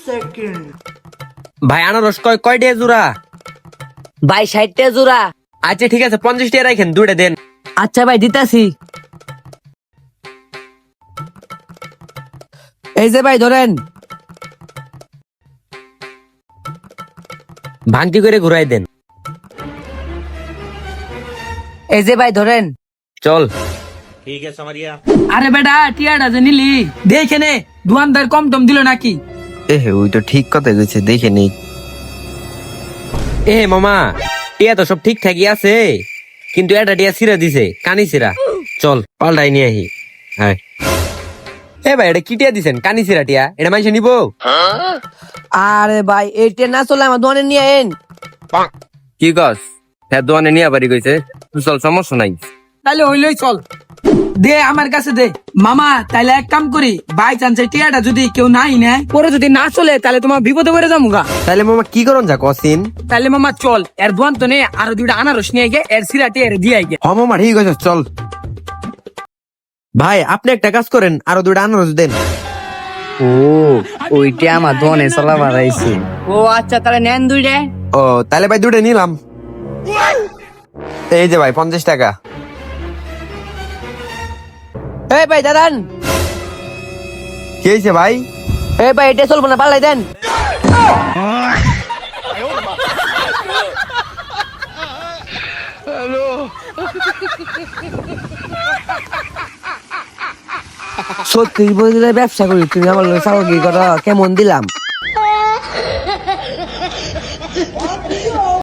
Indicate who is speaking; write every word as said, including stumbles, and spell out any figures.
Speaker 1: Second.
Speaker 2: ভাই আনারস কয় কয় টাকা জোড়া?
Speaker 3: ভাই ষাটটা জোড়া।
Speaker 2: আচ্ছা ঠিক আছে, পঞ্চাশ টাকা রাখেন, দুইটা দেন।
Speaker 3: আচ্ছা ভাই দিতাছি। এই যে ভাই ধরেন।
Speaker 2: ভাঙতি করে ঘুরাই দেন।
Speaker 3: এই যে ভাই ধরেন।
Speaker 2: চল।
Speaker 4: আরে বেটা টিয়াটা যে নিলি দেখে নে, দোকানদার কম টম দিল নাকি?
Speaker 5: এ ওই তো ঠিক কথা কইছে, দেখে নেই।
Speaker 2: এ মামা, টিয়া তো সব ঠিকঠাকই আছে, কিন্তু এটা টিয়া সিরা দিছে, কানি সিরা। চল পাল্টাই নিয়ে আহি। হ্যাঁ এ ভাই, এটা কি টিয়া দিছেন? কানি সিরা টিয়া, এটা মানুষ নিবো?
Speaker 3: আরে ভাই এইটা না চলে আমার দোকানে নিয়ে আইন।
Speaker 5: কি কস? হ্যাঁ দোয়ানে নিয়ে বাড়ি কইছে, চল সমস্যা নাই।
Speaker 4: তাহলে হইলই চল, দে আমার কাছে দে। মামা তাইলে এক কাম করি, বাই চান্সে টিয়াটা যদি কেউ নাই নেয়, পরে যদি না চলে তাহলে তোমার বিপদে পড়ে যাবো গা।
Speaker 2: তাহলে মামা কি করন যা কসিন?
Speaker 4: তাহলে মামা চল, এর দোয়ান তো নে, আরো দুইটা আনারস নিয়ে গে, এর সিরা টিয়া দিয়ে গে।
Speaker 2: হ মামা ঠিক আছে, চল। ভাই আপনি একটা কাজ করেন, আরো দুইটা আনারস দেন।
Speaker 3: ও ওইটা আমার দোকানে চলা বাড়াইছে। ও আচ্ছা তাহলে নেন দুইটা।
Speaker 2: ও তাহলে ভাই দুটো নিলাম। এই যে ভাই পঞ্চাশ টাকা।
Speaker 3: এই ভাই দাদান।
Speaker 2: কি হয়েছে ভাই?
Speaker 3: এই ভাই এটা চলবো না, পাল্লাই দেন। সত্যি বলতে ব্যবসা করি, তুমি আমার চাকরি করো, কেমন দিলাম?